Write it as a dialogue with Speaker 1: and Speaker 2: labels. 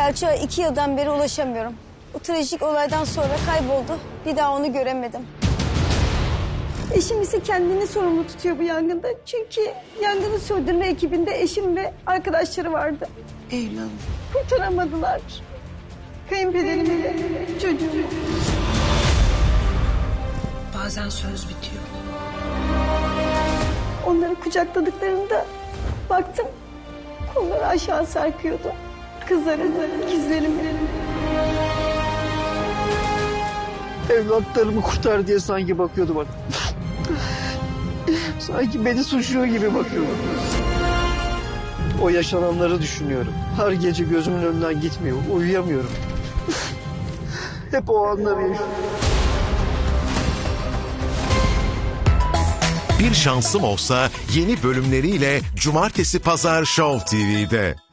Speaker 1: Selçuk'a 2 yıldan beri ulaşamıyorum. Bu trajik olaydan sonra kayboldu. Bir daha onu göremedim. Eşim ise kendini sorumlu tutuyor bu yangında. Çünkü yangını söndürme ekibinde eşim ve arkadaşları vardı.
Speaker 2: Evladım.
Speaker 1: Kurtaramadılar. Kayınpederimi de çocuğumu.
Speaker 2: Bazen söz bitiyor.
Speaker 1: Onları kucakladıklarında baktım kolları aşağı sarkıyordu. Kızlarım, ikizlerim.
Speaker 3: Evlatlarımı kurtar diye sanki bakıyordu bana. Sanki beni suçluyor gibi bakıyordu. O yaşananları düşünüyorum. Her gece gözümün önünden gitmiyor. Uyuyamıyorum. Hep o anları yaşıyorum.
Speaker 4: Bir Şansım Olsa yeni bölümleriyle Cumartesi Pazar Show TV'de.